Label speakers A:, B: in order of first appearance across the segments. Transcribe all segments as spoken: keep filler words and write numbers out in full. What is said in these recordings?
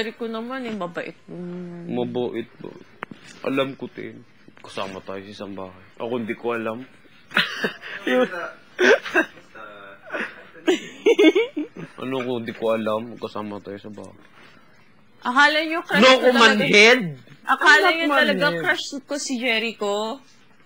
A: Jericho naman eh, mabait.
B: Mm. Mabait ba? Alam ko, Tin. Kasama tayo sa isang bahay. Ako hindi ko alam. Ano ko, hindi ko alam. Kasama tayo sa bahay.
A: Akala nyo crush
B: no,
A: ko talaga.
B: manhead!
A: Akala nyo talaga crush ko si Jericho?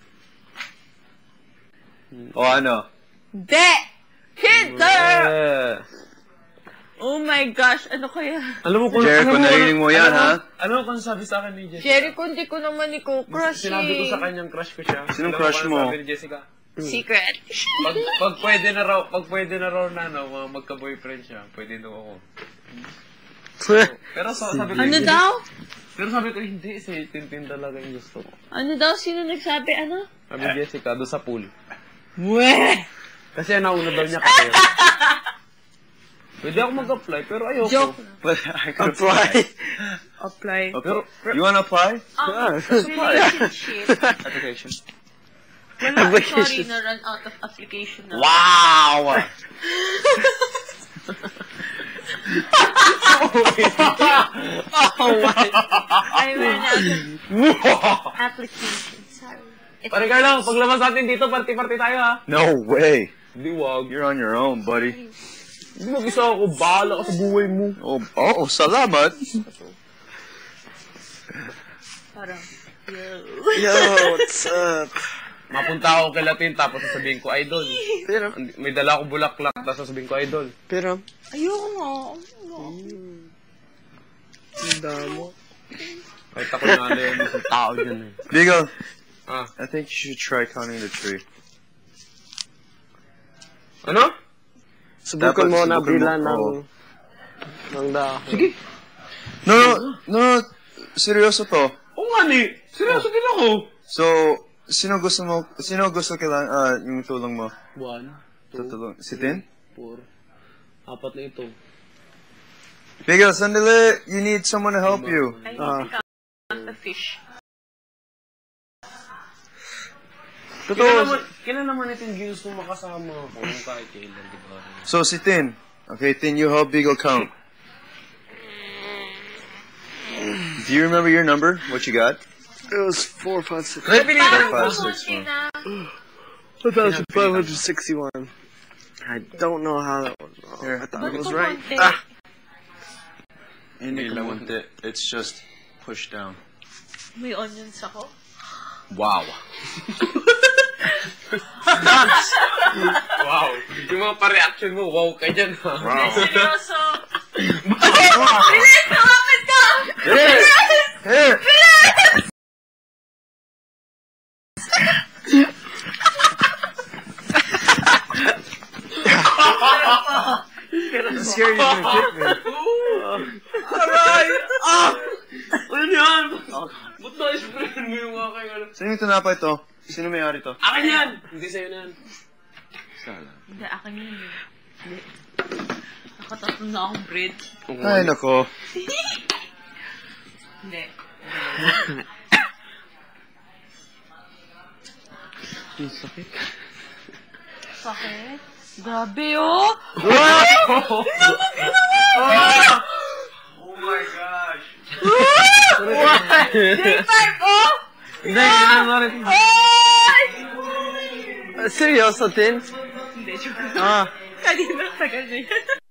C: O ano?
A: De! Hitler!
B: Yeah.
A: Oh my gosh, ano kaya?
B: Alam mo kung...
C: Jericho, narinig mo yan, ha?
B: Ano kung sabi sa akin ni Jessica?
A: Jericho, hindi ko naman ikaw crush
B: Sinabi ko
A: eh.
B: sa kanyang crush ko siya.
C: Sinong crush mo?
B: Sabi ni Jessica.
A: Secret.
B: Pag, pag pwede na raw, pag pwede na raw na, no, magka-boyfriend siya, pwede daw ako. So, pero so, sabi ko,
A: Ano daw?
B: Pero sabi ko, hindi, si Tintin talaga yung gusto ko.
A: Ano daw? Sino nagsabi? Ano?
B: Sabi ni Jessica, doon sa pool.
A: Weh!
B: Kasi nauna daw niya kayo. Pwede ako mag-apply, pero ayoko.
A: Joke.
C: But I could apply.
A: Apply.
C: Pero, you wanna apply?
A: Um, relationship.
C: Application.
A: Wala, sorry, na-run out of application na.
C: Wow!
B: Oh my!
A: I ran out of application. Sorry.
B: Pare Carlo, paglabas natin dito, party-party tayo ha.
C: No way.
B: Hindi, wag.
C: You're on your own, buddy.
B: Hindi mag-isa ako, bahala ka sa buhay mo.
C: Oh, oh, salamat.
A: Parang, yo.
C: Yo, what's up?
B: Mapunta ako kay Latin, tapos sasabihin ko, idol.
C: Pero,
B: May dala ako bulaklak, tapos sasabihin ko, idol.
C: pero,
A: Ayoko nga.
C: ang damo.
B: Kahit ako nala yung isang tao dyan eh.
C: Bigo,
B: Ah.
C: I think you should try counting the tree.
B: Ano?
C: Dapat
D: Subukan mo na
C: subukan
D: bila
C: mo,
D: ng...
C: oo.
D: ng dahon.
B: Sige.
C: No, no, no, seryoso to.
B: Oo nga ni. Seryoso din ako.
C: So, sino gusto mo, sino gusto kailangan, ah, yung tulong mo?
B: One, two,
C: Tutulong, si Tin?
B: four. Apat na ito.
C: Bigo, sandali, you need someone to help you.
A: I
D: Ah.
A: need to count the fish.
B: Kailan naman, kailan naman ito yung gusto makasama ako kahit kailan, di ba?
C: So, si Tin. Okay, Tin, you help Bigo count. Do you remember your number? What you got?
D: It was four, five, six.
C: Four,
A: Parang
C: five, six,
A: kumunti
C: one.
A: na.
D: one thousand five hundred sixty-one. I don't know how that was wrong.
C: Here.
D: I thought it
A: Ba't
D: was right.
A: kumunti?
D: Ah!
C: Hindi lamunti. It's just push down.
A: May onions ako.
C: Wow.
B: Wow. Yung mga pa-reaction mo, wow ka dyan ha.
C: Wow.
A: Seryoso. Bilis! Lumapit ka!
C: Here! Here! I'm scared you're gonna hit me.
B: Aray! Ah! Ano yan? Ba't na-sprayan mo yung aking ano?
C: Sino yung tinapay to? Sino may-ari to?
B: Akin yan! Hindi sa'yo na yan.
A: Hindi, akin yun eh. Hindi. Nakatatlo na akong bread.
C: Ay, nako.
A: Hindi.
B: Ang sakit.
A: Sakit? Grabe oh!
C: Wow!
B: Oh my gosh!
A: Day five oh!
B: Hindi, kailangan mo rin.
A: Ay!
D: Uh, seryoso, Tin?
A: Hindi, joke.
D: Ah.
A: Kanina, tagal na yan.